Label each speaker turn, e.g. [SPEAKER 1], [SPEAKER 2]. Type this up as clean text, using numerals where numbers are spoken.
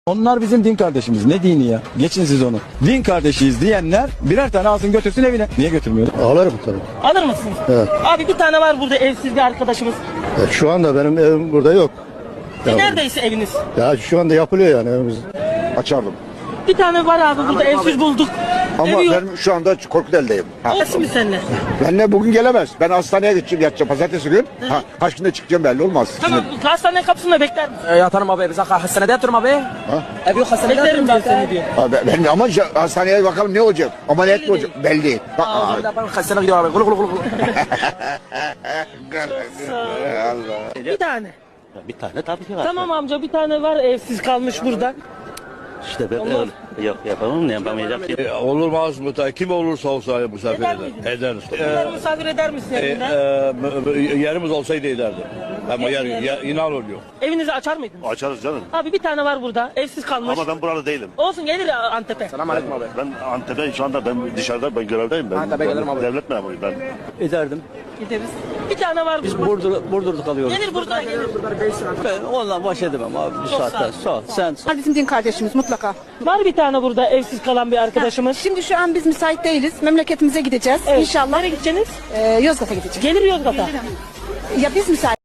[SPEAKER 1] Onlar bizim din kardeşimiz. Ne dini ya? Geçin siz onu. Din kardeşiyiz diyenler birer tane alsın götürsün evine. Niye götürmüyor?
[SPEAKER 2] Alırım tabii.
[SPEAKER 3] Alır mısınız?
[SPEAKER 2] Evet.
[SPEAKER 3] Abi bir tane var burada evsiz bir arkadaşımız.
[SPEAKER 2] Şu anda benim evim burada yok.
[SPEAKER 3] Neredeyse eviniz.
[SPEAKER 2] Ya şu anda yapılıyor yani evimiz.
[SPEAKER 4] Açardım.
[SPEAKER 3] Bir tane var abi burada evsiz bulduk.
[SPEAKER 4] Ama
[SPEAKER 3] Evi yok.
[SPEAKER 4] ben şu anda Korkutel'deyim.
[SPEAKER 3] Olsun mu seninle?
[SPEAKER 4] Benle bugün gelemez. Ben hastaneye gideceğim, yatacağım pazartesi gün. Kaç günde çıkacağım belli olmaz.
[SPEAKER 3] Tamam hastane kapısında bekler misin?
[SPEAKER 5] yatarım abi. Biz hastanede yatıyorum abi. Ev yok hastanede
[SPEAKER 3] Beklerim
[SPEAKER 5] yatıyorum
[SPEAKER 3] ben seni diyor.
[SPEAKER 4] Ben ama hastaneye bakalım ne olacak? Ameliyat mı olacak? Belli değil.
[SPEAKER 5] Hastaneye gidiyorum abi. Gulu gulu gulu.
[SPEAKER 3] Bir tane.
[SPEAKER 6] Bir tane tabii ki var.
[SPEAKER 3] Tamam amca bir tane var evsiz kalmış burada.
[SPEAKER 6] İşte ben öyle. Yok yapamam ne yapamayacağım ki.
[SPEAKER 7] Olmaz mı? Kim olursa olsa misafir
[SPEAKER 3] Eder
[SPEAKER 7] eder.
[SPEAKER 3] miydiniz?
[SPEAKER 7] Ederiz.
[SPEAKER 3] Bunları misafir eder misin evinde?
[SPEAKER 7] Yerimiz olsaydı ederdim. Ama inan oluyor.
[SPEAKER 3] Evinizi açar mıydınız?
[SPEAKER 6] Açarız canım.
[SPEAKER 3] Abi bir tane var burada evsiz kalmış.
[SPEAKER 6] Ama ben burada değilim.
[SPEAKER 3] Olsun gelir Antep'e.
[SPEAKER 5] Selam aleyküm abi.
[SPEAKER 6] Ben Antep'e şu anda ben dışarıda ben görevdeyim. Ben
[SPEAKER 5] Antep'e gelirim abi.
[SPEAKER 6] devlet memuruyum ben.
[SPEAKER 1] Ederdim.
[SPEAKER 3] Gideriz. Bir tane var.
[SPEAKER 1] Biz Burdur'da kalıyoruz.
[SPEAKER 3] Gelir burada gelir.
[SPEAKER 1] Ben onunla baş edemem abi bu saatte. Sağ ol. Sen
[SPEAKER 8] Bizim din kardeşimiz mutlaka.
[SPEAKER 3] Var bir tane burada evsiz kalan bir arkadaşımız.
[SPEAKER 8] Şimdi şu an biz müsait değiliz. Memleketimize gideceğiz.
[SPEAKER 3] Evet.
[SPEAKER 8] İnşallah
[SPEAKER 3] Nereye gideceksiniz?
[SPEAKER 8] Yozgat'a gideceğiz.
[SPEAKER 3] Gelir Yozgat'a.
[SPEAKER 8] Ya biz müsait